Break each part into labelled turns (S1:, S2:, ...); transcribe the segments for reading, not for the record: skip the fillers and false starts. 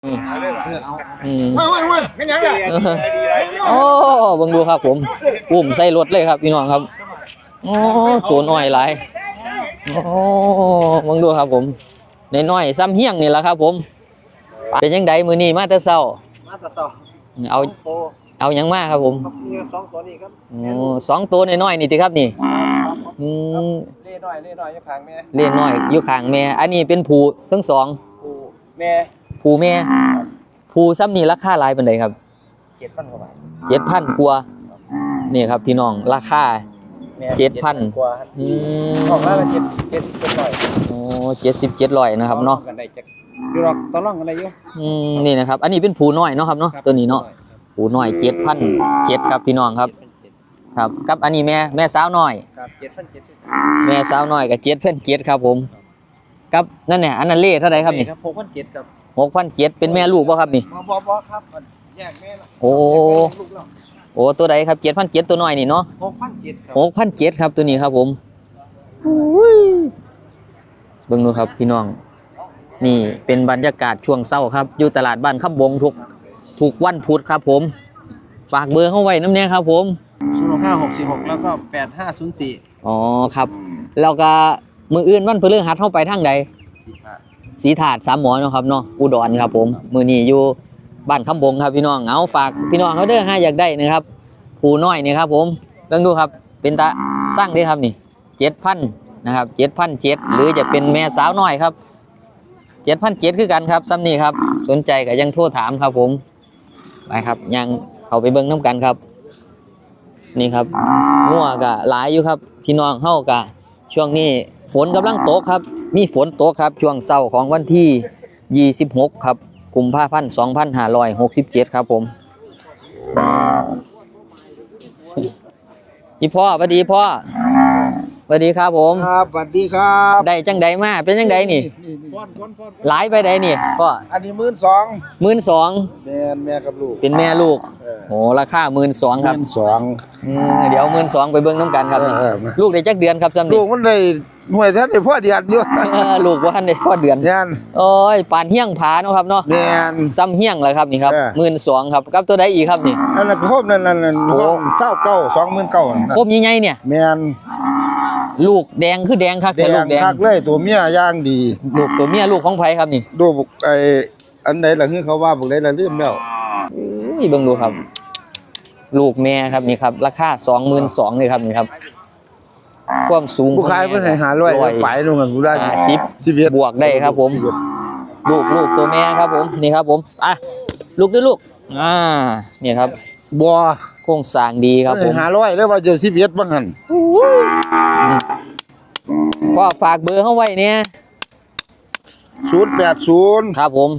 S1: ไม่ยังเลย
S2: โอ้บังดูครับผมอุ้มใส่รถเลยครับพี่น้องครับโอ้ตัวน้อยหลายโอ้บังดูครับผมน้อยซ้ำเฮี้ยงนี่แหละครับผมเป็นยังไงมือนี้มาแต่เช้าเอายังมาครับผมสองตัวน้อยนี่ติครับนี่
S1: เล่น้อยอยู่ข้างแม่
S2: เล่น้อยอยู่ข้างแม่อันนี้เป็นผูทั้งสอง
S1: แม่
S2: ผูแม่ผูซ้ำนี่ราคาหลายปานใดครับ
S1: 7,000 กว่าบาท
S2: 7,000 กว่านี่ครับพี่น้องราคา7,000
S1: กว่าออกแล้ว700โอ้
S2: 7700นะครับเนาะ
S1: อยู่หรอกตอนร่องกันได้อยู่
S2: นี่นะครับอันนี้เป็นผูน้อยเนาะครับเนาะตัวนี้เนาะผูน้อย7,700ครับพี่น้องครับครับกับอันนี้แม่สาวน้อย
S1: ครับ7,700
S2: แม่สาวน้อยกับ7,700ครับผมกับนั่นเนี่ยอันนั้นเล่เท่าไหร่ครับนี่
S1: 6,700ครับ
S2: 6,700เป็นแม่ลูกป่ะครับนี่
S1: บ่ครับแยกแม่
S2: โอ้ตัวใดครับ7,700ตัวน้อยนี่เนาะ6,700ครับตัวนี้ครับผมเบิ่งดูครับพี่น้องนี่เป็นบรรยากาศช่วงเช้าครับอยู่ตลาดบ้านคำบงทุกวันพุธครับผมฝากเบอร์เข้าไว้น้ำเนี่ยครับผม
S1: 06566แล้วก็8504
S2: อ๋อครับแล้วก็มืออื่นวันพฤหัสเข้าไปทางใดสีถาด3 หมอเนาะครับเนาะอุดรครับผมมือนี้อยู่บ้านคำบงครับพี่น้องเอาฝากพี่น้องเขาเด้ออยากได้นะครับผู้น้อยนี่ครับผมเบิ่งดูครับเป็นตาสร้างได้ครับนี่7,000นะครับ7,700หรือจะเป็นแม่สาวน้อยครับ7,700คือกันครับซ้ำนี่ครับสนใจก็ยังโทรถามครับผมไปครับยังเข้าไปเบิ่งน้ำกันครับนี่ครับงัวก็หลายอยู่ครับพี่น้องเฮาก็ช่วงนี้ฝนกำลังตกครับมีฝนตกครับช่วงเช้าของวันที่26ครับกุมภาพันธ์2567ครับผมพี่พ่อสวัสดีพ่อสวัสดีครับผม
S1: ครับสวัสดีครับ
S2: ได้จังใดมาเป็นจังใดนี่หลายไปใดนี่พ่อ
S1: อันนี้12,000แม่กับลูก
S2: เป็นแม่ลูกโอ้ราคา12,000ครับเดี๋ยว12,000ไปเบิ่งน้ำกันครับลูกได้จักเดือนครับซ้ำนี่
S1: ลูกมันได้หน่วยท่านได้พ่อเดือนอยู่
S2: ลูกว่าท่านได้พ่อเดือนโอ้ยปานเฮี้ยงผาเนาะครับเนาะซ้ำเฮี้ยงเลยครับนี่ครับ12,000ครับกับตัวใดอีกครับนี่
S1: นั่นน่ะครบนั่นโอ้29,000ครบ
S2: ใหญ่ๆเนี่ย
S1: แม่น
S2: ลูกแดงคือแดงครับแต่ลูกแดง
S1: คักเลยตัวเมียย่างดี
S2: ลูกตัวเมียลูกของไผครับนี่
S1: ดูไอ้อันไหนล่ะคือเขาว่าพวกไหนล่ะลืมแล้ว
S2: นี่เบิ่งดูครับลูกแม่ครับนี่ครับราคา22,000นี่ครับนี่ครับความสูง
S1: ผู้ขายเพิ่นให้500ไปลงกันผู้ได้
S2: 11บวกได้ครับผมลูกตัวแม่ครับผมนี่ครับผมลูกด้วยลูกนี่ครับ
S1: บัว
S2: โครงสร้างดีครับผม
S1: 500แล้วว่าจะ11บ่หั่น
S2: ก็ฝากเบอร์เฮาไว้เนี่ย
S1: 080
S2: ครับผม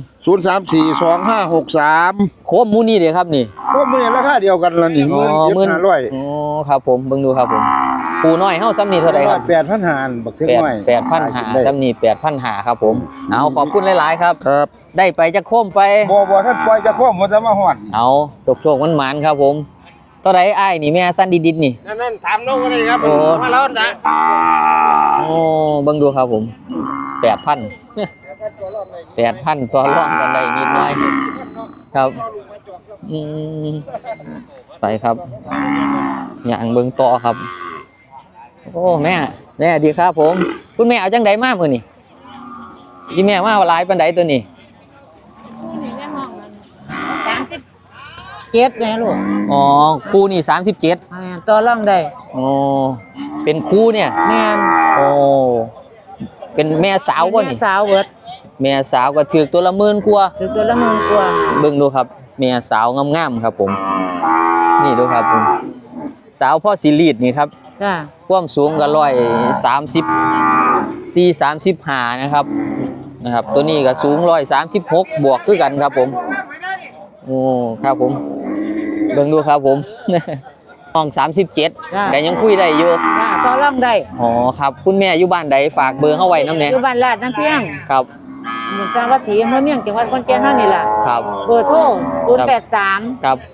S1: 0342563
S2: โคมมูนี่เด้ครับนี่
S1: โคมมูนี่ราคาเดียวกันล่ะนี่
S2: 15,000ครับผมเบิ่งดูครับผมผู้น้อยเฮาซ้ำนี่เท่าใดครับ
S1: 8,500บักเท่าน้อย
S2: 8,500ซ้ำนี่8,500ครับผมเอาขอบคุณหลายๆครับ
S1: ครับ
S2: ได้ไปจะโคมไป
S1: บ่ท่านปล่อยจะโคมบ่จะมาฮอด
S2: เอาโชคมันหมานครับผมเท่าใดอ้ายนี่แม่สั้นดิดๆนี่
S1: นั่นถามน้องก็ได้ครับมาแล้วนะ
S2: เบิ่งดูครับผม8,000ตัวรองกันได้นิดหน่อยครับไปครับอย่างเบิ่งต่อครับโอ้แม่ดีครับผมคุณแม่เอาจังไดมามื้อนี่พี่แม่มาหลายปานใดตัวนี้
S3: 37แม่ลูก
S2: อ๋อคู่นี่37
S3: ต่อรองได้
S2: อ๋อเป็นคู่เนี่ย
S3: แม่
S2: โอ้เป็นแม่สาวบ่นี่
S3: แม่สาวเบิด
S2: แม่สาวก็ถือตัวละ10,000กว่า
S3: ถือตัวละ10,000กว่า
S2: เบิ่งดูครับแม่สาวงามๆครับผมนี่ดูครับผมสาวพ่อสิรีดนี่ครับ
S3: จ้า
S2: ความสูงก็134-35นะครับตัวนี้ก็สูง136บวกคือกันครับผมโอ้ครับผมเบิ่งดูครับผมห้อง37แต่ยังคุยได้อยู่
S3: ต่อรองได้
S2: อ๋อครับคุณแม่อยู่บ้านใดฝากเบอร์เฮาไว้นำแหน่
S3: อยู่บ้านลาดน้ำเพียง
S2: ครับ
S3: หมู่จังหวัดศรีอำเภอเมืองจังหวัดขอนแก่นเฮานี่ล่ะ
S2: ครับ
S3: เบอร์โทร083
S2: ครับ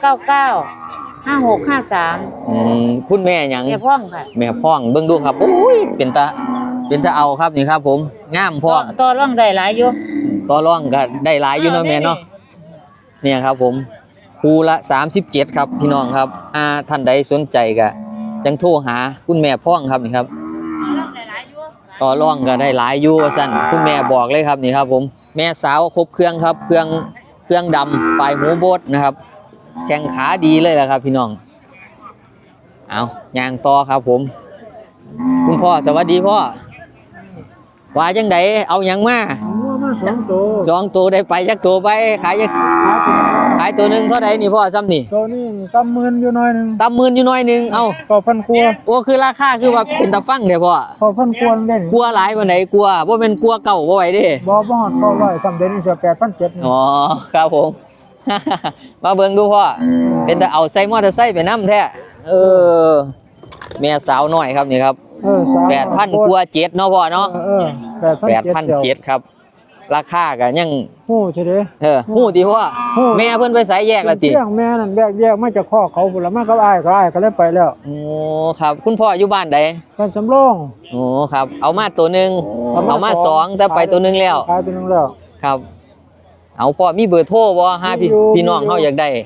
S3: 5995653
S2: คุณแม่หยัง
S3: แม่พ่องค่ะ
S2: แม่พ่องเบิ่งดูครับโอ้ยเป็นตาเอาครับนี่ครับผมงามพ่อ
S3: ต่อรองได้หลายอยู่
S2: ต่อรองก็ได้หลายอยู่เนาะแม่เนาะเนี่ยครับผมคู่ละ37ครับพี่น้องครับท่านใดสนใจก็จังโทรหาคุณแม่พ่องครับนี่ครับต่อรองก็ได้หลายอยู่ว่าซั่นคุณแม่บอกเลยครับนี่ครับผมแม่สาวครบเครื่องครับเครื่องดำปลายหูโบดนะครับแข้งขาดีเลยแหละครับพี่น้องเอาย่างต่อครับผมคุณพ่อสวัสดีพ่อว่าจังไดเอาหยังมา
S4: มา2ตัว
S2: 2ตัวได้ไปจักตัวไปขายตัวหนึงเท่าใดนี่พ่อซ้ำนี่
S4: ตัวนี้ตำมื่นอยู่หน่อยหนึง
S2: ตำมื่นอยู่น้อยหนึงเอ้า
S4: 9,000กว่า
S2: โอ้คือราคาคือว่าเป็นตะฟังเด้อพ่อ
S4: 9,000กว่าเล่น
S2: กลัวหลายปานใดกลัวบ่แม่นกลัวเก่าบ่ไหวเด้
S4: บ่ฮอด900สำเร็จนี่เสีย8,700
S2: อ๋อครับผม มาเบิ่งดูพ่อเป็นแต่เอาใส่มอเตอร์ไซค์ไปนำแท้เออแม่สาวน้อยครับนี่ครับ 8,000กว่า7เนาะพ่อเนาะ 8,700ครับราคาก็ยัง
S4: ฮู้ใช่เด้
S2: ฮู้ติพ่อแม่เพิ่นไปไสแยกแล้วติ
S4: เรื่องแม่นั่นแยกมาจากคอกเขาพุ่นละมากับอ้ายก็เลยไปแล้ว
S2: โอ้ครับคุณพ่ออยู่บ้านใด
S4: บ้านสำโรง
S2: โอ้ครับเอามาตัวหนึงเอามาสองแต่ไปตัวหนึงแล้ว
S4: ขายตัวนึงแล้ว
S2: ครับ เอาพ่อมีเบอร์โทรบ่หาพี่น้องเฮาอยากได้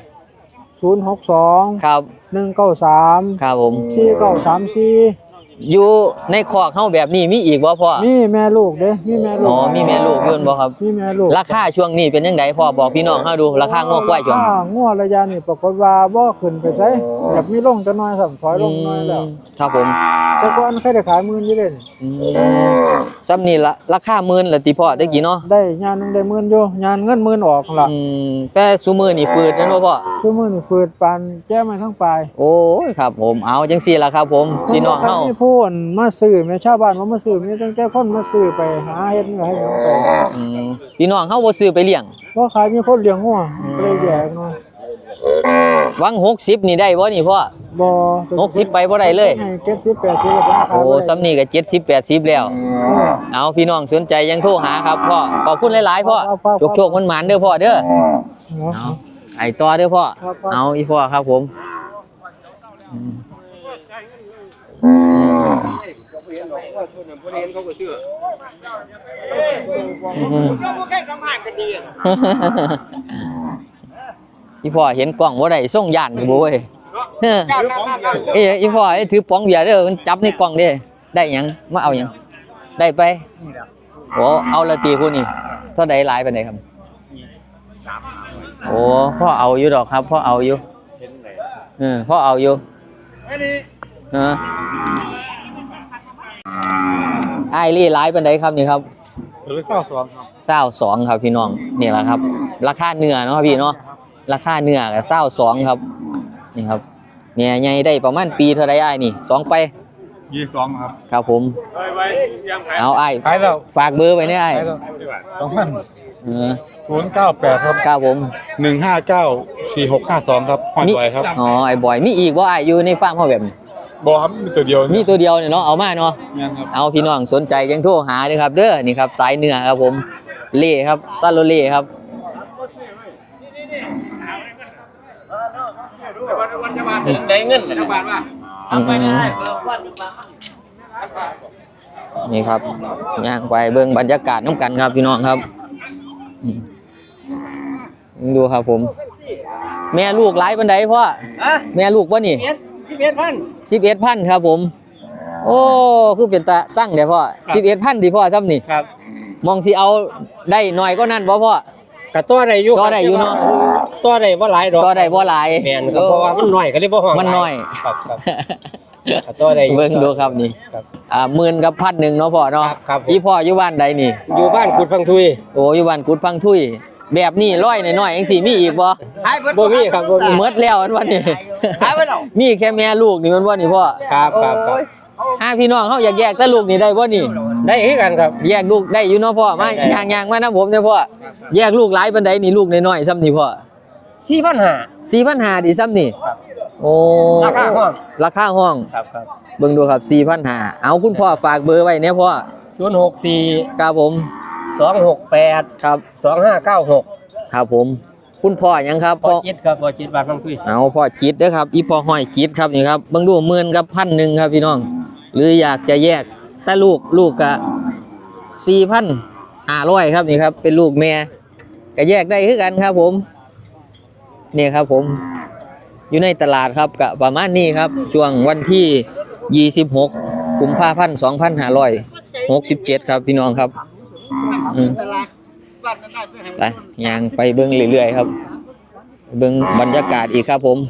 S4: 062
S2: ครับ
S4: 193
S2: ครับผม
S4: 4934
S2: อยู่ในคอกเฮาแบบนี้มีอีกบ่พ่อ
S4: มีแม่ลูกเด้มีแม่ลูก
S2: อ๋อมีแม่ลูกอยู่บ่ครับ
S4: มีแม่ลูก
S2: ราคาช่วงนี้เป็นจังไดพ่อบอกพี่น้องเฮาดูราคางอกควายช่วง
S4: งัวระยะนี้ปรากฏว่าบ่ขึ้นไปไสอยากมีลงจักหน่อยซ้ํถอยลงหน่อยแล้ว
S2: ครับผม
S4: แต่ก่อนเคยได้ขาย10,000อยู่เด้นี่
S2: ซ้ำนี่ละราคาหมื่นละติพ่อตะกี้เนาะ
S4: ได้งานหนึงได้10,000อยู่งานเงิน10,000ออกล่ะ
S2: แต่ซุมื้อนี่ฟืดนั่นบ่พ่อ
S4: คือมื้อนี่ฝืดปานแก้มาทั้งปลาย
S2: โอ้ยครับผมเอาจังซี่ล่ะครับผมพี่น้องเฮา
S4: มีผู้คนมาซื้อแม่ชาวบ้านบ่มาซื้อมีตั้งแต่คนมาซื้อไปหาเฮ็ดเนื้อให้หยังไป
S2: พี่น้องเฮาบ่ซื้อไปเลี้ยง
S4: บ่ขายมีคนเลี้ยงงัวก็เลยแยกเนาะ
S2: วัง60นี่ได้บ่นี่พ่อ
S4: บ่
S2: 60ไปบ่ได้เลย
S4: ให้70 80แล้วก็ขาย
S2: โอ้ซ้ำนี่ก็70 80แล้ว เอาพี่น้องสนใจยังโทรหาครับพ่อขอบคุณหลายๆพ่อโชคๆมันหมานเด้อพ่อเด้อเอาไอ้ต่อเด้อพ่อเอาอีพ่อครับผมอีพ่อเห็นกล้องบ่ได้ส่งย่านอยู่บ่เว้ยอีพ่อถือป๋องเบียร์เด้อมันจับในกล้องเด้ได้หยังมาเอาหยังได้ไปโอ้เอาละตีผู้นี่เท่าใดหลายปานใดครับโอ้พ่อเอาอยู่ดอกครับพ่อเอาอยู่พ่อเอาอยู่ไอ้ลี่หลายปานใดครับนี่ครับ22ครับพี่น้องนี่แหละครับราคาเนื้อเนาะพี่เนาะราคาเนื้อก็22ครับนี่ครับแม่ใหญ่ได้ประมาณปีเท่าใดอ้ายนี่2ไป
S1: 22ครับ
S2: ครับผมเอาอ้าย
S1: ขายแล้ว
S2: ฝากเบอร์ไว้เนี่ยอ้าย
S1: 098ครับ
S2: ครับผม
S1: 1594652ครับห้อยบ่อยครับ
S2: อ๋อไอ้บอยมีอีกบ่อ้ายอยู่ในฟาร์มเฮาแบบนี้
S1: บ่ครับมีตัวเดียว
S2: มีตัวเดียวเนี่ยเนาะเอามาเนาะ
S1: งั้นครับ
S2: เอาพี่น้องสนใจยังโทรหาเด้อครับเด้อนี่ครับสายเนื้อครับผมเล่ครับซาโลเล่ครับ
S5: ได้เงินทั้งบ้านว่า
S2: นี่ครับย่างไปเบิ่งบรรยากาศน้ำกันครับพี่น้องครับดูครับผมแม่ลูกหลายปานใดพ่อแม่ลูกบ่นี่11,000ครับผมโอ้คือเป็นตาสั่งเด้อพ่อ11,000ดิพ่อซ้ำนี่
S5: ครับ
S2: มองสิเอาได้น้อยก็นั่นบ่พ่อ
S5: ก็ตัวได้อยู่
S2: ตัวได้อยู่เนาะ
S5: ตัวได้บ่หลายดอก
S2: ก็ได้บ่หลาย
S5: แม่นก็เพราะว่ามันน้อยก็เลยบ่ฮ้อง
S2: มันน้อย
S5: ครับก็ตัวได้อยู่
S2: เบิ่งดูครับนี่หมื่นกับ1,000เนาะพ่อเนาะ
S5: ครับ
S2: อีพ่ออยู่บ้านใดนี่
S5: อยู่บ้านกุดพังทุย
S2: โอ้อยู่บ้านกุดพังทุยแบบนี้ร้อยน้อยๆจังซี่มีอีกบ่
S5: บ่มีครับบ่มี
S2: หมดแล้วอันว่านี่มีแค่แม่ลูกนี่มันบ่นี่พ่อ
S5: ครับ
S2: พี่น้องเฮาอยากแยกแต่ลูกนี่ได้บ่นี่
S5: ได้คือกันครับ
S2: แยกลูกได้อยู่เนาะพ่อมา
S5: ได้
S2: ย่างๆมานํผมเด้อพ่อแยกลูกหลายปานใดนี่ลูกน้อยๆซ้ำนี่พ่อ
S5: 4,500
S2: 4,500ดิซ้ำนี่โอ้
S5: ราคาห้อง
S2: ราคาห้อง
S5: ครับ
S2: เบิ่งดูครับ 4,500เอาคุณพ่อฝากเบอร์ไว้เนี่ยพ่อ
S5: 064
S2: ครับผม
S5: 268
S2: ครับ
S5: 2596
S2: ครับผมคุณพ่อหยังครับ
S5: บ่คิดครับบ่คิดบ้านพังทุย
S2: เอาพ่อจิตเด้อครับอีพ่อห้อยจิตครับนี่ครับเบิ่งดูหมื่นกับ1,000ครับพี่น้องหรืออยากจะแยกแต่ลูกก็4,000 500ครับนี่ครับเป็นลูกแม่ก็แยกได้คือกันครับผมนี่ครับผมอยู่ในตลาดครับก็ประมาณนี้ครับช่วงวันที่26กุมภาพันธ์2567ครับพี่น้องครับไปย่างไปเบิ่งเรื่อยๆครับเบิ่งบรรยากาศอีกครับผม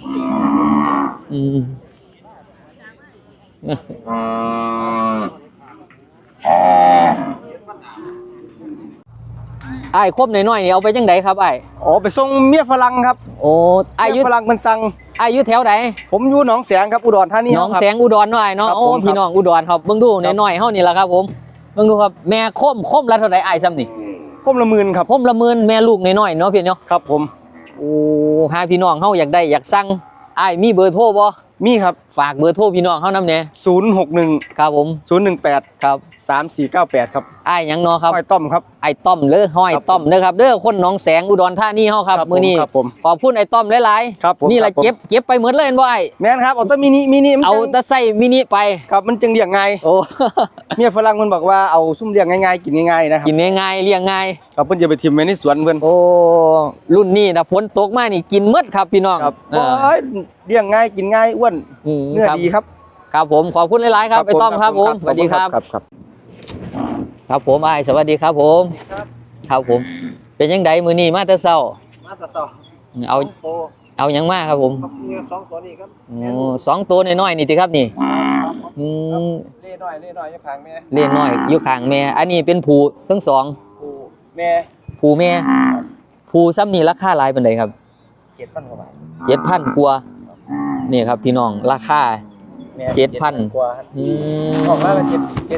S2: ไอ้ครบหน่อยๆนี่เอาไปจังไดครับไอ้
S5: อ๋อไปส่งเมียฝรั่งครับ
S2: โอ้อายุ
S5: เมียฝรั่งมันสั่ง
S2: อายุแถวไหน
S5: ผมอยู่หนองแสงครับอุดรธานี
S2: น้อง
S5: ครับ
S2: แสงอุดรหน่อยเนาะ
S5: ครับ
S2: โอ้
S5: ผม
S2: พี่น้องอุดรครับเบิ่งดูน้อยๆเฮานี่ล่ะครับผมเบิ่งดูครับแม่คมละเท่าใดอ้ายซ้ำนี่
S5: ผมละหมื่นครับ
S2: คมละหมื่นแม่ลูกน้อยๆเนาะพี่เนาะ
S5: ครับผม
S2: โอ้หาพี่น้องเฮาอยากได้อยากสั่งอ้ายมีเบอร์โทรบ่
S5: มีครับ
S2: ฝากเบอร์โทรพี่น้องเฮานำแหน่
S5: 061
S2: ครับผม
S5: 018
S2: ครับ
S5: 3498ครับ
S2: อ้ายหยังเนาะครับ
S5: ห้อยต้อมครับ
S2: ไอ้ต้อมเด้อห้อยต้อมเด้อครับเด้อคนหนองแสงอุดรธานีเฮาครับ
S5: ครับผม
S2: มื้อนี้
S5: ครับผม
S2: ขอบคุณไอ้ต้อมหลาย
S5: ครับผม
S2: ๆนี่ล่ะ
S5: ครับผม
S2: เก็บไปหมดเลยเห็นบ่ไอ้
S5: แม่นครับเอาแต่มินิมัน
S2: เอา
S5: จัง
S2: แต่ใส่มินิไป
S5: ครับมันจึงเลี้ยงง่าย
S2: โอ้
S5: เมียฝรั่งมันบอกว่าเอาซุ่มเลี้ยงง่ายๆกินง่ายๆนะครับ
S2: กินง่ายๆเลี้ยงง่าย
S5: ครับเพิ่นจะไปทิมไว้ในสวนเพิ่น
S2: โอ้รุ่นนี้นะฝนตกมานี่กินหมดครับพี่น้อง
S5: ครับ
S2: เออ
S5: โอ้ยเลี้ยงง่ายกินง่ายอ้วนเนื้อ
S2: ครับ
S5: ดีครับ
S2: ครับผมขอบคุณหลายๆครับไอ้ต้อมครับผมสวัสดีครับ
S5: ครับ
S2: ครับผมอ้ายสวัสดีครับผมครับผม เป็นยังไงมื้อนี้มาแต่เช้า
S5: มาตะซอ
S2: เอาหยังมาครับผม
S5: มี2ตัวนี้ครับ
S2: โอ้สองตัวน้อยๆนี่ติครับนี่อืม
S5: เล่น้อยอยู่ข้างแม่
S2: เล่นน้อยอยู่ข้างแม่อันนี้เป็นผู้ทั้งสอง
S5: ผู้แม่
S2: ผู้แม่ผู้ซ้ำนี่ราคาหลายปานใดครับ
S5: 7,000กว่าบาท
S2: 7,000กว่านี่ครับพี่น้องราคา
S5: แม่
S2: 7,000
S5: กว่า
S2: อืม
S5: ออกแล้วก็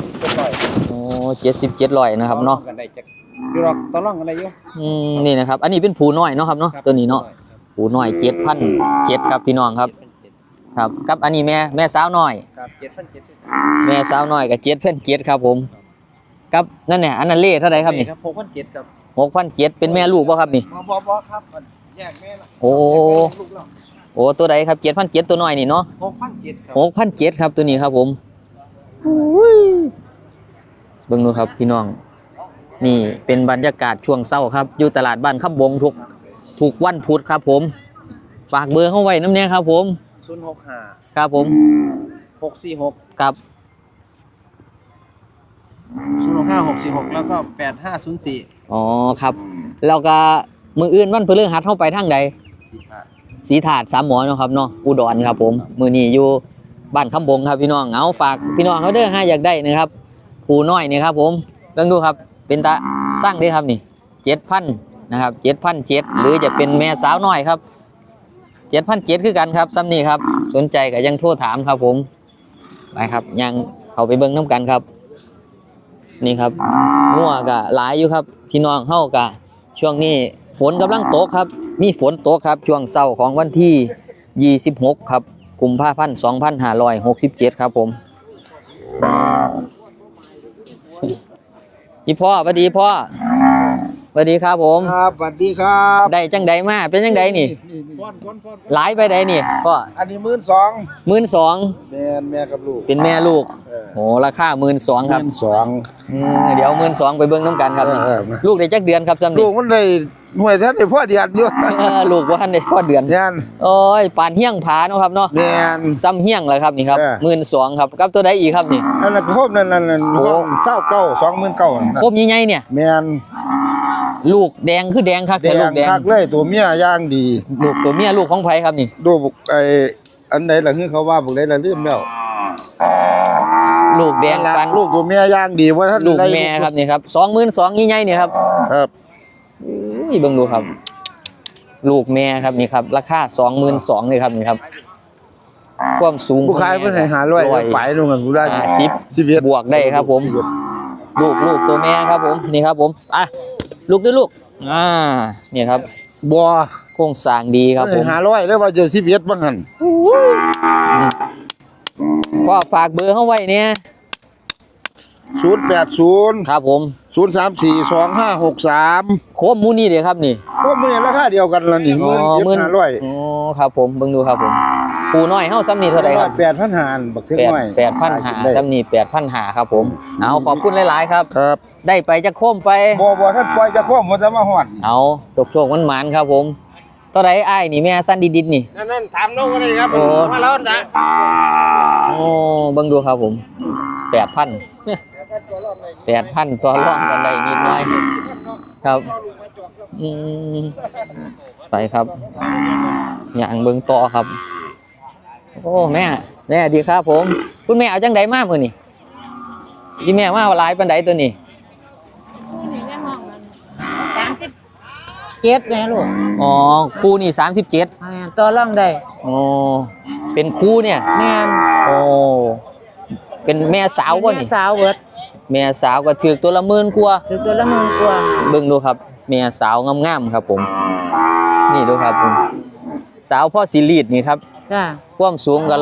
S5: 700
S2: โอ้77,000นะครับเนาะ
S5: กันได้จักอยู่หรอกตอนร้องกันได้อยู่
S2: นี่นะครับ อันนี้เป็นผูน้อยเนาะครับเนาะตัวนี้เนาะผูน้อย7,700ครับพี่น้องครับ ครับกับอันนี้แม่สาวน้อย
S5: ครับ7,700
S2: แม่สาวน้อยกับ7,700ครับผมกับนั่นเนี่ยอันนั้นเล่เท่าไหร่ครับนี่
S5: ครับ6,700ครับ
S2: 6,700เป็นแม่ลูกบ่ครับนี่
S5: บ่ครับแยกแม่ละ
S2: โอ้โอ้ตัวใดครับ7,700ตัวน้อยนี่เนาะ
S5: 6,700ครับ
S2: 6,700ครับตัวนี้ครับผมเบิ่งดูครับพี่น้องนี่เป็นบรรยากาศช่วงเช้าครับอยู่ตลาดบ้านคำบงทุกวันพุธครับผมฝากเบอร์เข้าไว้น้ำเนี้ยครับผม
S5: 065
S2: ครับผม
S5: 646
S2: ครับ
S5: 065 646แล้วก็8504
S2: อ๋อครับแล้วก็มืออื่นวันพฤหัสเข้าไปทางใด
S5: สีชาติ
S2: สีถาดสามหมอเนาะครับเนาะอุดรครับผมมือนี้อยู่บ้านคำบงครับพี่น้องเอาฝากพี่น้องเขาเด้อให้อยากได้นะครับผู้น้อยนี่ครับผมเบิ่งดูครับเป็นตาสร้างได้ครับนี่7,000นะครับ7,700หรือจะเป็นแม่สาวน้อยครับ7,700คือกันครับซ้ำนี่ครับสนใจก็ยังโทรถามครับผมไปครับยังเขาไปเบิ่งน้ำกันครับนี่ครับงัวก็หลายอยู่ครับพี่น้องเฮาก็ช่วงนี้ฝนกำลังตกครับมีฝนตกครับช่วงเช้าของวันที่26ครับกุมภาพันธ์2567ครับผมพี่พ่อสวัสดีพ่อสวัสดีครับผม
S1: ครับสวัสดีครับ
S2: ได้จังใดมาเป็นจังใดนี่
S1: ฟ้อน
S2: หลายไปใดนี่พ่อ
S1: อันนี้12,000
S2: 12,000
S1: แม่กับลูก
S2: เป็นแม่ลูกโหราคา12,000ครับ
S1: 12,000
S2: เดี๋ยว12,000ไปเบิ่งน้ำกันครับนี่
S1: มา
S2: ลูกได้จักเดือนครับซ้ำ
S1: ลู
S2: นี่
S1: กมันได้หน่วยแท้ได้พ่อเดียนอยู่
S2: ลูกบ่ทันได้พอเดือน
S1: ยัน
S2: โอ้ยปานเฮี้ยงผาเนาะครับเนาะ
S1: แม่น
S2: ซ้ำเฮี้ยงเลยครับนี่ครับ 12,000ครับกับตัวใดอีกครับนี่
S1: นั่นน่ะครบนั่น
S2: โอ้
S1: 29,000
S2: ครบใหญ่ๆเนี่ย
S1: แม่น
S2: ลูกแดงคือแดงครับ
S1: แด
S2: แต่ลู
S1: ง
S2: กแดง
S1: คักเลยตัวเมียย่างดี
S2: ลูกตัวเมียลูกของไผครับนี่
S1: ดูบุกไอ้อันใดล่ะคือเขาว่าบุกใดล่ะลืมแล้ว
S2: ลูกแดงปาน
S1: ลูกตัวเมียย่างดีว่าท่าน
S2: ลูกแม่ครับนี่ครับ22,000ใหญ่ๆนี่ครับ
S1: ครับ
S2: อุ้ยเบิ่งดูครับ ลูกแม่ครับนี่ครับราคา22,000นี่ครับนี่ครับความสูง
S1: ผู้ขายเพิ่นให้500ไปนู่นกันผู้ได้
S2: 11บวกได้ครับผม ลูกตัวแม่ครับผมนี่ครับผมอ่ะลูกด้วยลูกนี่ครับ
S1: บ่
S2: โครงสร้างดีครับผม
S1: 500แล้วว่าจะ11บ่หั่น
S2: ก็ฝากเบอร์เข้าไว้เนี่ย
S1: 080
S2: ครับผม
S1: 0342563
S2: โคมมูนี่เดี๋ยวครับนี่
S1: พวกมื้อนี้ราคาเดียวกันล่ะนี่
S2: อ๋อ
S1: 17,500
S2: อ๋อครับผมเบิ่งดูครับผมครูน้อยเฮาซ้ำนี่เท่าไหร่ครับ
S1: 8,500บักถึงน้อย
S2: 8,500ซ้ำนี่8,500ครับผมเอาขอบคุณหลายๆครับ
S1: ครับ
S2: ได้ไปจะโค้มไป
S1: บ่ท่านปล่อยจะควบบ่จะมาฮอด
S2: เอาโชคมันหมานครับผมเท่าไหร่อ้ายนี่แม่สั้นดิดๆนี่
S5: นั่นถามน้องก็ได้ครับ
S2: โอ้
S5: มาแล้วนะ
S2: โอ้เบิ่งดูครับผม8,000 8,000ตัวร่องกันได้นิดหน่อยครับอืมไปครับอย่างเบิ่งต่อครับโอ้แม่ดีครับผมคุณแม่เอาจังไดมามื้อนี่ที่แม่มาหลายปานใดตัวนี้
S3: นี่แม่ห้องมัน37แม่ลูก
S2: อ๋อครูนี่37
S3: ต่อรองได้
S2: อ๋อเป็นครูเนี่ย
S3: แม่น
S2: โอ้เป็นแม่สาวบ่นี่
S3: แม่สาวเบิด
S2: แม่สาวก็ถือตัวละหมื่นกว่า
S3: คือตัวละ10,000กว่า
S2: เบิ่งดูครับแม่สาวงามๆครับผมนี่ดูครับผมสาวพ่อสิรีดนี่ครับ
S3: จ้า
S2: ความสูงก็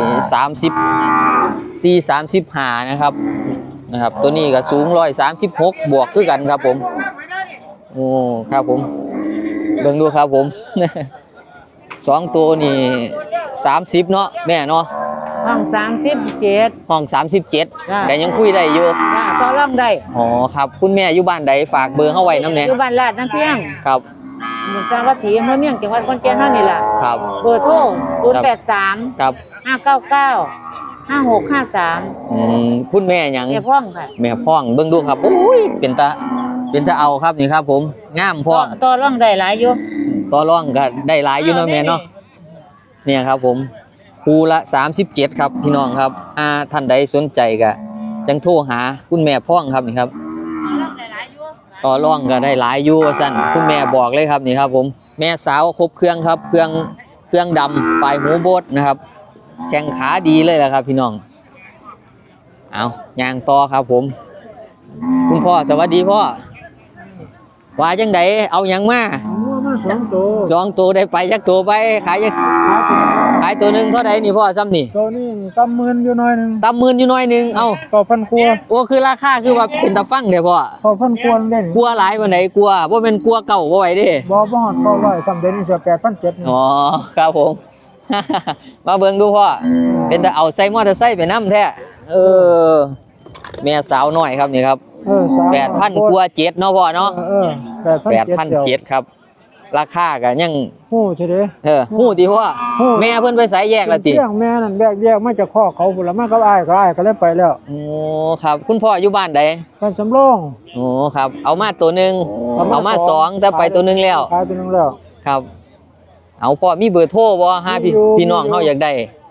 S2: 134-35นะครับตัวนี้ก็สูง136บวกคือกันครับผมโอ้ครับผมเบิ่งดูครับผม สองตัวนี่30เนาะแม่เนาะ
S3: ห้อง37
S2: ห้อง37แต่ยังคุยได้อยู่
S3: จ้าต่อรองได้
S2: อ๋อครับคุณแม่อยู่บ้านใดฝากเบอร์เฮาไว้นำแหน่
S3: อยู่บ้านลาดน้ำเพียง
S2: ครับ
S3: หมู่จังหวัดศรีอำเภอเมืองจังหวัดขอนแก่นเฮานี่ล่ะ
S2: ครับ
S3: เบอร์โทร083
S2: ครับ
S3: 599 5653
S2: คุณแม่หยัง
S3: แม่พ่องค่ะ
S2: แม่พ่องเบิ่งดูครับโอ้ยเป็นตาเอาครับนี่ครับผมงามพ่อง
S3: ต่อรองได้หลายอยู่
S2: ต่อรองก็ได้หลายอยู่เนาะแม่เนาะเนี่ยครับผมคูละ37ครับพี่น้องครับท่านใดสนใจก็จังโทรหาคุณแม่พ่องครับนี่ครับต่อรองก็ได้หลายอยู่ว่าซั่นคุณแม่บอกเลยครับนี่ครับผมแม่สาวครบเครื่องครับเครื่องดำปลายหูโบดนะครับแข้งขาดีเลยแหละครับพี่น้องเอาย่างต่อครับผมคุณพ่อสวัสดีพ่อว่าจังไดเอาหยังมา
S4: งัวมา2ตัว
S2: 2ตัวได้ไปจักตัวไปขายจักขายตัวหนึงเท่าใดนี่พ่อซ้ำนี่
S4: ตัวนี้กำหมื่นอยู่หน่อยหนึง
S2: ตำหมื่นอยู่น้อยหนึงเอ้า
S4: 9,000กว่า
S2: โอ้คือราคาคือว่าเป็นตะฟังเด้อพ่อ
S4: 9,000กว่าเล่น
S2: กลัวหลายปานใดกลัวบ่แม่นกลัวเก่าบ่ไหวเด้
S4: บ่ฮอด900สำเร็จนี่เสีย8,700นี่
S2: อ๋อครับผม มาเบิ่งดูพ่อเป็นแต่เอาใส่มอเตอร์ไซค์ไปนำแท้เออแม่สาวน้อยครับนี่ครับ 8,000กว่า7เนาะพ่อเนาะ 8,700ครับราคาก็ยัง
S4: ฮู้ใช่เด้
S2: ฮู้ติพ่อแม่เพิ่นไปไสแยกแล้วติ
S4: เรื่องแม่นั่นแยกมาจากคอกเขาพุ่นละมากับอ้ายก็เลยไปแล้ว
S2: โอ้ครับคุณพ่ออยู่บ้านใด
S4: บ้านสำโรง
S2: โอ้ครับเอามาตัวหนึงเอามาสองแต่ไปตัวหนึงแล้ว
S4: ขายตัวหนึงแล้ว
S2: ครับ เอาพ่อมีเบอร์โทรบ่หาพี่น้องเฮาอยากได้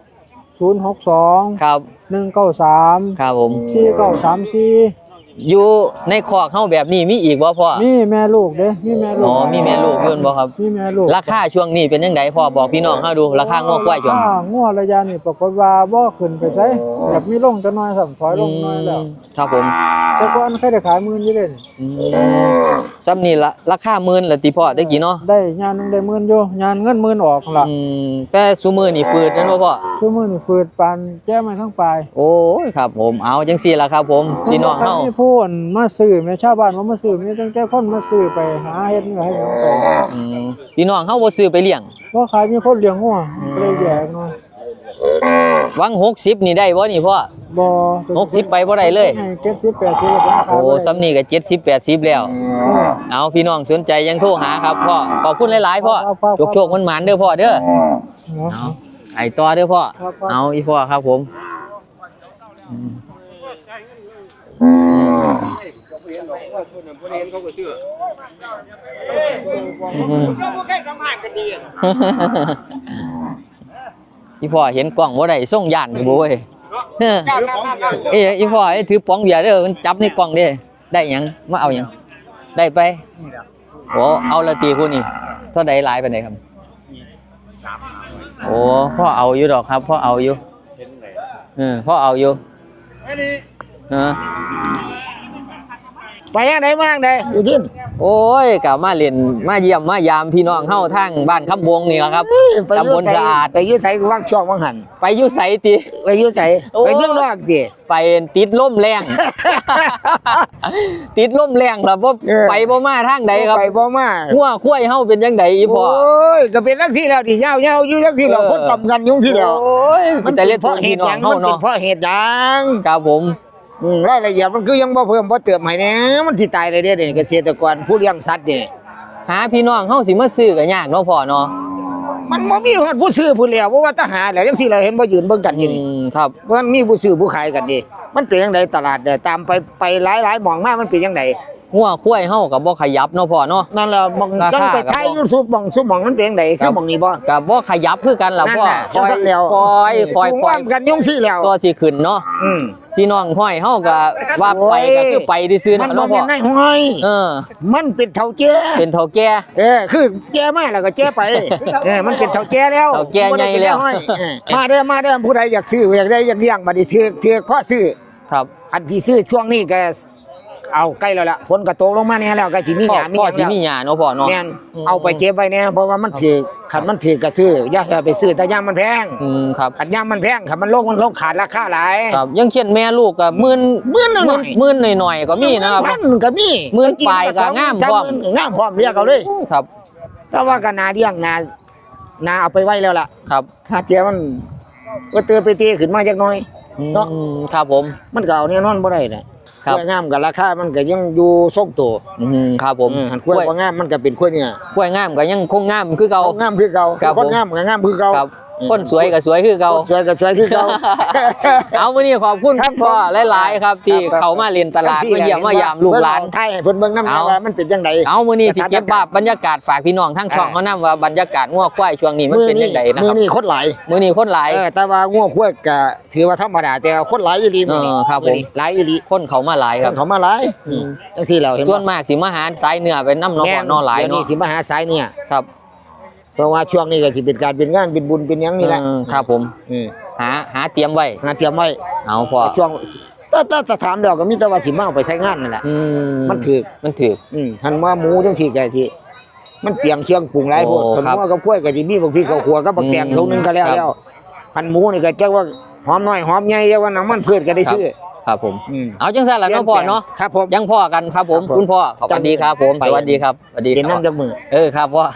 S4: 062
S2: ครับ
S4: 193
S2: ครับผม
S4: 4934
S2: อยู่ในคอกเฮาแบบนี้มีอีกบ่พ่อ
S4: มีแม่ลูกเด้มีแม่ลูก
S2: อ๋อมีแม่ลูกอยู่บ่ครับ
S4: มีแม่ลูก
S2: ราคาช่วงนี้เป็นจังไดพ่อบอกพี่น้องเฮาดูราคางอกควายช่วง
S4: งัวระยะนี้ปรากฏว่าบ่ขึ้นไปไสอยากมีลงจักหน่อยซ้ํถอยลงหน่อยแล้ว
S2: ครับผม
S4: แต่ก่อนเคยได้ขาย10,000อยู่เด้นี่
S2: ซ้ำนี่ละราคาหมื่นละติพ่อตะกี้เนาะ
S4: ได้ยานหนึงได้10,000อยู่ยานเงิน10,000ออกล่ะ
S2: แต่ซุมื้อนี่ฟืดนั่นบ่พ่อ
S4: คือมื้อนี่ฝืดปานแก้มาทั้งปลาย
S2: โอ้ยครับผมเอาจังซี่ล่ะครับผมพี่น้องเฮา
S4: มีผู้คนมาซื้อแม่ชาวบ้านบ่มาซื้อมีตั้งแต่คนมาซื้อไปหาเฮ็ดเนื้อให้หยังไป
S2: พี่น้องเฮาบ่ซื้อไปเลี้ยง
S4: บ่ขายมีคนเลี้ยงงัวก็เลยแยกหน่อย
S2: หวัง60นี่ได้บ่นี่พ่อ
S4: บ่
S2: 60ไปบ่ได้เลย
S4: ให้70 80แล้วผมขาย
S2: โอ้ซ้ำนี่ก็70 80แล้วเอาพี่น้องสนใจยังโทรหาครับพ่อขอบคุณหลายๆพ่อโชคๆมันหมานเด้อพ่อเด้อเอาไอ้ต่อเด้อพ่อเอาอีพ่อครับผมอีพ่อเห็นกล้องบ่ได้ส่งย่านบ่เว้ยอีพ่อถือป๋องเบียร์เด้อมันจับในกล้องเด้ได้หยังมาเอาหยังได้ไปโอ้เอาละตีผู้นี่เท่าใดหลายปานใดครับโอ้พ่อเอาอยู่ดอกครับพ่อเอาอยู่พ่อเอาอยู่
S6: ไปยังไงมาจังไดอยู่ที่
S2: โอ้ยกลับมาเล่นมาเยี่ยมมายามพี่น้องเฮาทางบ้านคำบงนี่แหละครับตำบลสะอาด
S6: ไปยื้อใส่ว่างช่องว่างหัน
S2: ไปอยู่ไสติ
S6: ไปยื้อใส่
S2: โอ้
S6: ไปเรื่องนอกดิ
S2: ไปติดล่มแรง ติดล่มแรงครับบ่ไปบ่มาทางใดครับ
S6: ไปบ่มา
S2: หัวคุ้ยเฮาเป็นจังไดอีพ่อ
S6: โอ้ยก็เป็นลักที่แล้วดิยาวๆอยู่ลักที่แล้วคนต่ำกันยุ่งที่แล้ว
S2: โอ้ยมันแต่เล็ด
S6: เพราะเห
S2: พี่
S6: ตุ
S2: น้อ
S6: หยัง ง
S2: เฮา
S6: มันเป็น
S2: เนาะ
S6: เพราะเหตุหยัง
S2: ครับผม
S6: รายละเอียดมันคือยังบ่เพิ่มบ่เติมให้แหน่มันสิตายเลยเด้นี่เกษตรกรผู้เลี้ยงสัตว์นี่
S2: หาพี่น้องเฮาสิมาซื้อก็ยากเนาะพ่อเนาะ
S6: มันบ่มีฮอดผู้ซื้อผู้แล้วเพราะว่าทหารแล้วจังซี่เราเห็นบ่ยืนเบิ่งกันอยู่นี่
S2: ครับ
S6: มันมีผู้ซื้อผู้ขายกันดิมันเป็นจังไดตลาดเนี่ยตามไปหลายๆหม่องมามันเป็นจังได
S2: หัวคุ้ยเฮาก็บ่ขยับเนาะพ่อเนาะ
S6: นั่นแหละหม่อง
S2: ราคา
S6: จังไปถ่าย
S2: ครับ
S6: YouTube หม่องซุหม่องมันเป็นจังไดคือหม่องนี้บ่
S2: ก็บ่ขยับคือกันล่ะพ่อ
S6: นั่นน่ะจังซั่นแล้ว
S2: คอย
S6: ว่ากันยุ่งซี่แล้ว
S2: ก็สิขึ้นเนาะ
S6: อืม
S2: พี่น้องห้อยเฮาก็ว่าไปก็คือไปซื่อๆ
S6: มัน
S2: เนาะ
S6: บ่
S2: พ่
S6: แม่
S2: อน
S6: นายห้อย มันเป็นเฒ่าแก่
S2: เป็นเฒ่าแก่
S6: คือแก่มาแล้วก็แก่ไปมันเป็นเฒ่าแก่แล้ว
S2: เฒ่าแก่ใหญ่แล้ว
S6: บ่ได้เป็นนายห้อยมาเด้อผู้ใดอยากซื้ออยากได้อยากเลี้ยงบัดนี้ถือกพอซื้อ
S2: ครับ
S6: อันที่ซื้อช่วงนี้ก็เอาใกล้แล้วล่ะฝนก็ตกลงมาแน่แล้วก็สิมีหญ้ามี
S2: พ่อ
S6: หยัง
S2: สิ
S6: แล้ว
S2: มีหญ้าเนาะพ่อเนาะ
S6: แม่นเอาไปเก็บไว้แน่เพราะว่ามันถือคันมันถือก็ซื้ออย่าไปซื้อแต่ย่ามมันแพง
S2: ครับ
S6: คันย่ามมันแพงคันมันลงขาดราคาหลาย
S2: ครับยังเขียนแม่ลูกก็หมื่น
S6: หมื่นหน่อย
S2: หมื่นหน่อยๆก็มีนะครับ
S6: พันก็มี
S2: หมื่นปลายก็งามพร้อม
S6: งามพร้อมเรียกเอาเลย
S2: ครับ
S6: แต่ว่าก็นาเลี้ยงนาเอาไปไว้แล้วล่ะ
S2: ครับ
S6: ค่าเจียมันก็เตือไปเตะขึ้นมาจักหน่อย เนาะ
S2: ครับผม
S6: มันก็เอาแน่นอนบ่ได้น่ะ
S2: ครับ
S6: กล้วยงามกับราคามันก็ยังอยู่ทรงตัว
S2: ครับผม
S6: หันกล้วยบ่งามมันก็เป็นกล้วยเนี่ย
S2: กล้วยงามก็ยังคงงามคือเก่า
S6: งามคือเก่า
S2: ครับ
S6: คนงามก็งามคือเก่า
S2: ครับคนสวยก็สวยคือเก่า
S6: สวยก็สวยคือเก่า
S2: เอามื้อนี้ขอบคุณ
S6: ครับ
S2: คุณพ่อหลายๆครับที่เขามาเรียนตลาดมาเยี่ยมมายามลูกหลาน
S6: ไทยให้เพิ่นเบิ่งนำ
S2: เอา
S6: ว่ามันเป็นจังได
S2: เอามื้อนี้สิเก็บภาพบรรยากาศฝากพี่น้องทั้งช่องเขานำว่าบรรยากาศงัวควายช่วงนี้มันเป็นจังไดนะ
S6: มื้
S2: ค
S6: อ
S2: รับ
S6: นี้คนหลาย
S2: มื้อนี้คนหลาย
S6: แต่ว่างัวควายก็ถือว่าธรรมดาแต่คนหลายอีหลีมื้อนี้
S2: ครับผม
S6: อนี้หลายอีหลี
S2: คนเขามาหลาย
S6: ค
S2: ครับ
S6: นเขามาหลายจังซี่แล้วเห็น
S2: ส่วนมากสิมาหาสายเนื้อไปนำเนาะพ่อเนาะหลาย
S6: ดี๋วนี้
S2: เนาะ
S6: สิมาหาสายเนี่ย
S2: ครับ
S6: เพราะว่าช่วงนี้ก็สิเป็นการเป็นงานเป็นบุญเป็นหยังนี่แหละ
S2: ครับผม
S6: อืม
S2: หาเตรียมไว้
S6: หาเตรียมไว้
S2: เอาพ่อ
S6: ช่วงถ้าจะถามแล้วก็มีแต่ว่าสิมาเอาไปใช้งานนั่นแหละ มันถูก
S2: มันถือ
S6: หันว่าหมูจังซี่ก็สิมันเปลียงเชียงปรุงหลายโพด
S2: โอ้
S6: คัน
S2: ครับ
S6: หัวกับกล้วยก็สิมีบักพริกข้าวขัวกับบักแตง
S2: อืม
S6: ถุงนึงก็แล้ว
S2: ครับ
S6: แล้วหันหมูนี่ก็จักว่าหอมน้อยหอมใหญ่จักว่าน้ำมันพืชก็ได้ซื้อ
S2: ครับผม
S6: อืม
S2: เอาจังซั่นล่ะเนาะพ่อเนาะ
S6: ครับผม
S2: ยังพ่อกันครับผม
S6: ครับผม
S2: คุณพ่อสวัสดีครับผม
S6: ไป
S2: สวัสดีครับสวัสดี
S6: เห็น
S2: ครับ
S6: น้ำจากมือ
S2: ครับพ่อ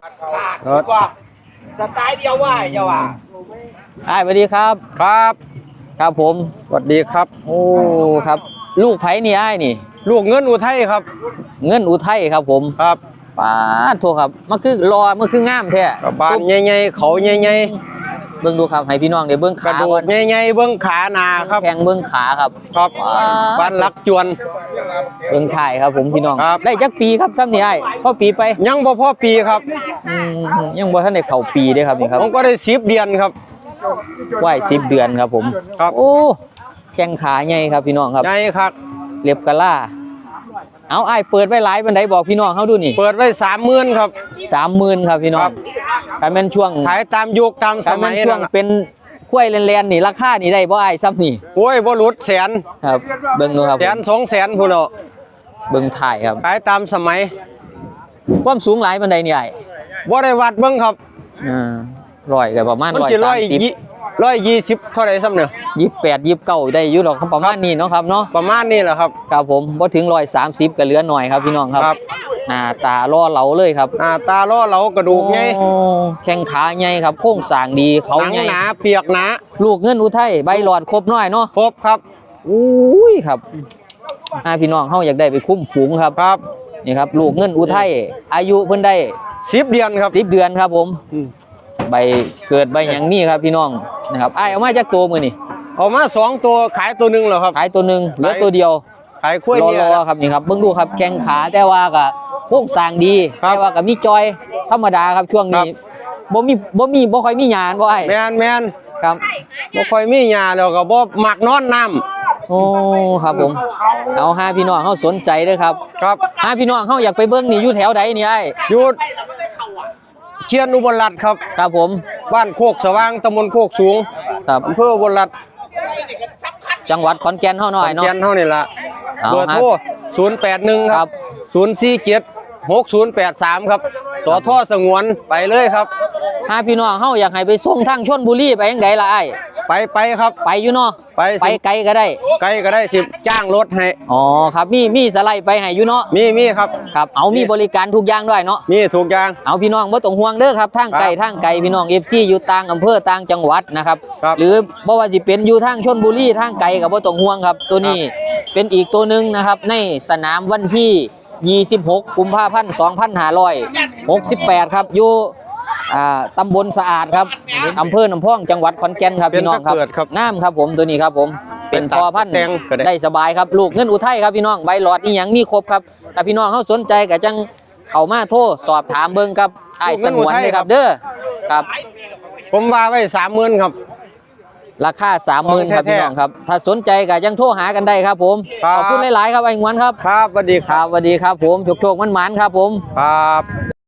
S5: สไตล์เดียวว่าเจ้าว่า
S2: สวัสดีครับ
S5: ครับ
S2: ครับผม
S5: สวัสดีครับ
S2: โอ้ครับ ลูกไผนี่อ้ายนี่
S5: ลูกเงินอุทัยครับ
S2: เงินอุทัยครับผม
S5: ครับ
S2: ป้าดโทครับมันคือรอมันคืองามแท้
S5: กระบาลใหญ่ๆเขาใหญ่
S2: เบิ่งดูครับให้พี่น้องได้เบิ่ง
S5: ๆกระ
S2: ขา
S5: ดู
S2: ก่
S5: ก
S2: อน
S5: ใหญ่ๆเบิ้งขาหนาครับ
S2: แข้งเบิ่งขาครับ
S5: ครับฟันลักจวน
S2: เบิ่งถ่ายครับผมพี่น้อง
S5: ครับ
S2: ได้จักปีครับซ้ำนี่อ้ายพอปีไป
S5: ยังบ่พอปีครับ
S2: ยังบ่ทันได้เข้าปีเด้ครับนี่ครับ
S5: ผมก็ได้10เดือนครับ
S2: ไหว้10 เดือนครับผม
S5: ครับ
S2: โอ้แข้งขาใหญ่ครับพี่น้องครับ
S5: ใหญ่ครับ
S2: เรียบกะล่าเอาอ้ายเปิดไว้หลายปานใดบอกพี่น้องเฮาดูนี่
S5: เปิดไว้30,000ครับ
S2: 30,000ครับพี่น้อ
S5: ครั
S2: ง
S5: บ
S2: ถ้าแม่นช่วง
S5: ขายตามยุคตามส
S2: ถ้า
S5: มั
S2: แม่
S5: ย
S2: นช่วง
S5: นั่นน่ะ
S2: เป็นกล้วยแลนๆนี่ราคานี่ได้บ่อ้ายซ้ำนี่
S5: โอ้ยบ่หลุดแสน
S2: ครับเบิ่งดูครับ
S5: แสน2แสนพุ่นเนาะ
S2: เบิ่งถ่ายครับ
S5: ขายตามสมัย
S2: ความสูงหลายปานใดนี่อ้าย
S5: บ่ได้วัดเบิ่งครับ
S2: ร้อยก็ประมาณ
S5: มันสิ120เท่าไหร่ซ้ำเนี่ย
S2: 130 28 29ได้อยู่ดอกประมาณนี้เนาะครับเนาะ
S5: ประมาณนี้แหละครับ
S2: ครับผมบ่ถึง130ก็เหลือหน่อยครับพี่น้องครับ
S5: ครับ
S2: หน้าตาล่อเหลาเลยครับ
S5: ตาล้อเหลากระดูกไง
S2: โอ้แข้งขาใหญ่ครับโครงสร้างดีเขา
S5: หนัง
S2: ใหญ่
S5: หนาเปียกหนา
S2: ลูกเงินอุทัยใบหลอดครบน้อยเนาะ
S5: ครบครับ
S2: อุ้ยครับพี่น้องเฮาอยากได้ไปคุ้มฝูงครับ
S5: ครับ
S2: นี่ครับลูกเงินอุทัยอายุเพิ่นได้
S5: 10 เดือนครับ
S2: 10 เดือนครับผม
S5: อืม
S2: ใบเกิดใบหยังนี่ครับพี่น้องนะครับอ้ายเอามาจากตัวมื้อนี่
S5: เอามา2ตัวขายตัวหนึงแล้วครับ
S2: ขายตัวหนึงเหลือตัวเดียว
S5: ขายกล้วยเนี่ย
S2: รอๆครับนี่ครับเบิ่งดูครับแข้งขาแต่ว่าก็โครงสร้างดี
S5: ครับ
S2: แต่ว่าก็มีจอยธรรมดาครับช่วงนี้
S5: ครับ
S2: บ่ค่อยมีหยาบ่อ้าย
S5: แม่น
S2: ครับ
S5: บ่ค่อยมีหญ้าแล้วก็บ่มักนอนน้ำ
S2: โอ้ครับผมเอาหาพี่น้องเฮาสนใจเด้อครับ
S5: ครับ
S2: หาพี่น้องเฮาอยากไปเบิ่งนี่อยู่แถวใดนี่อ้าย
S5: หยุดเชียนอุบลรัตน์ครับ
S2: ครับผม
S5: บ้านโคกสว่างตำบลโคกสูง
S2: ครับ
S5: อำเภออุบลรัตน์
S2: จังหวัดขอนแก่นเฮาหน่อย
S5: ขอน
S2: เนาะ
S5: แก่นเฮานี่ล่ะ
S2: เอา
S5: เบอร์
S2: ฮะ
S5: โทร 081ครับ047 6083ครับสทสงวนไปเลยครับ
S2: ถ้าพี่น้องเฮาอยากให้ไปส่งทางชลบุรีไปยังไดล่ะไอ้
S5: ไปครับ
S2: ไปอยู่เนาะ
S5: ไป
S2: ไปไกลก็ได้
S5: ไกลก็ได้สิจ้างรถให้
S2: อ๋อครับมีสไลด์ไปให้อยู่เนาะ
S5: มีครับ
S2: ครับเอามีบริการทุกอย่างด้วยเนาะ
S5: มีถูกอย่าง
S2: เอาพี่น้องบ่ต้องห่วงเด้อครับทางไกล
S5: ครับ
S2: ทางไกลพี่น้อง FC อยู่ต่างอำเภอต่างจังหวัดนะครับ
S5: ครับ
S2: หรือบ่ว่าสิเป็นอยู่ทางชลบุรีทางไกลก็บ่ต้องห่วงครับ ตัวนี้เป็นอีกตัวหนึงนะครับในสนามวันที่ 26 กุมภาพันธ์ 2568 ครับอยู่ตำบลสะอาดครับอำเภอหนองพองจังหวัดขอนแก่นครับพี่น้องครับ
S5: เป็นตะเกิดครับ
S2: งามครับผมตัวนี้ครับผมเป็นพอพันธุ์
S5: แตงก็ได้
S2: ได้สบายครับลูกเงินอุทัยครับพี่น้องใบหลอดอีหยังมีครบครับถ้าพี่น้องเขาสนใจก็จังเข้ามาโทรสอบถามเบิ่งครับไอ้ายสงวนเลยครับเด้อครับ
S5: ผมว่าไว้30,000ครับ
S2: ราคา 30,000ครับ
S5: แท้ๆ
S2: พี่น้องครับถ้าสนใจก็ยังโทรหากันได้ครับผม
S5: ครับ
S2: ขอบคุณหลายๆครับไอ้งวนครับ
S5: ครับสวัสดี
S2: ครับสวัสดีครับผมโชคๆมันๆครับผม
S5: ครับ